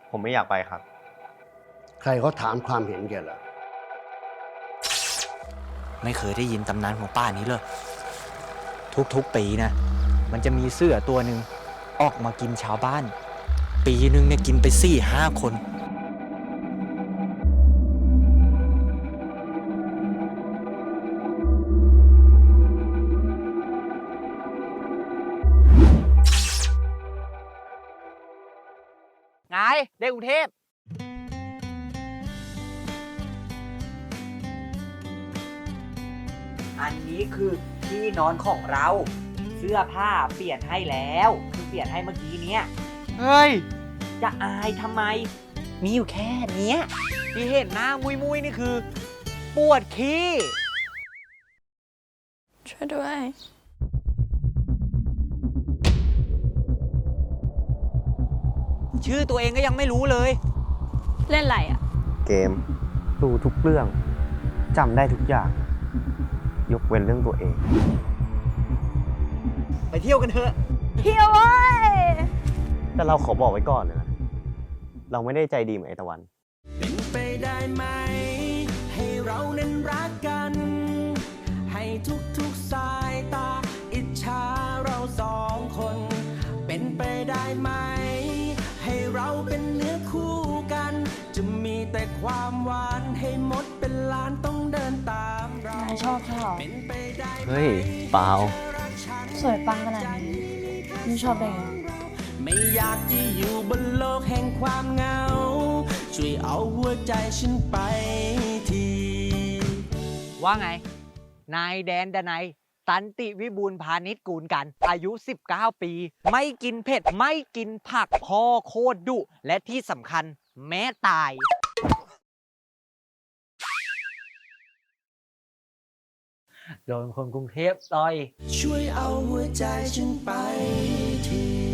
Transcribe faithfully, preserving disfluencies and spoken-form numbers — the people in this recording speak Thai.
ผมไม่อยากไปครับใครเขาถามความเห็นแกล่ะไม่เคยได้ยินตำนานของป้านี้เลย ทุกๆปีนะมันจะมีเสือตัวหนึ่งออกมากินชาวบ้าน ปีหนึ่งเนี่ยกินไปสี่ห้าคนไงเด็กกรุงเทพอันนี้คือที่นอนของเรา เสื้อผ้าเปลี่ยนให้แล้วคือเปลี่ยนให้เมื่อกี้เนี้ยเฮ้ยจะอายทำไม มีอยู่แค่เนี้ยที่เห็นหน้ามุยมุยนี่คือ ปวดขี้ช่วยด้วยชื่อตัวเองก็ยังไม่รู้เลยเล่นอะไรอ่ะเกมรู้ทุกเรื่องจำได้ทุกอย่าง ยกเว้นเรื่องตัวเองไปเที่ยวกันเถอะเที่ยวเว้ยแต่เราขอบอกไว้ก่อนเลยนะ เราไม่ได้ใจดีเหมือนไอตะวันเป็นไปได้ไหม ให้เรานั้นรักกัน ให้ทุกๆสายตา อิจฉาเราสองคน เป็นไปได้ไหม ให้เราเป็นเนื้อคู่กัน จะมีแต่ความหวานให้หมดเป็นล้านต้องเดินตามเรานายชอบเขาเหรอเป็นไปได้ไหมเฮ้ย เปล่าสวยปังขนาดนี้ไม่ชอบได้ไงไม่อยากจะอยู่บนโลกแห่งความเหงา ช่วยเอาหัวใจฉันไปทีว่าไง นายแดนดนัยสันติวิบูลย์พาณิชย์กูลกัน อายุ สิบเก้า ปี ไม่กินเผ็ด ไม่กินผักพ่อโคตรดุ และที่สำคัญแม้ตาย โดนคนกรุงเทพต่อยช่วยเอาหัวใจฉันไปที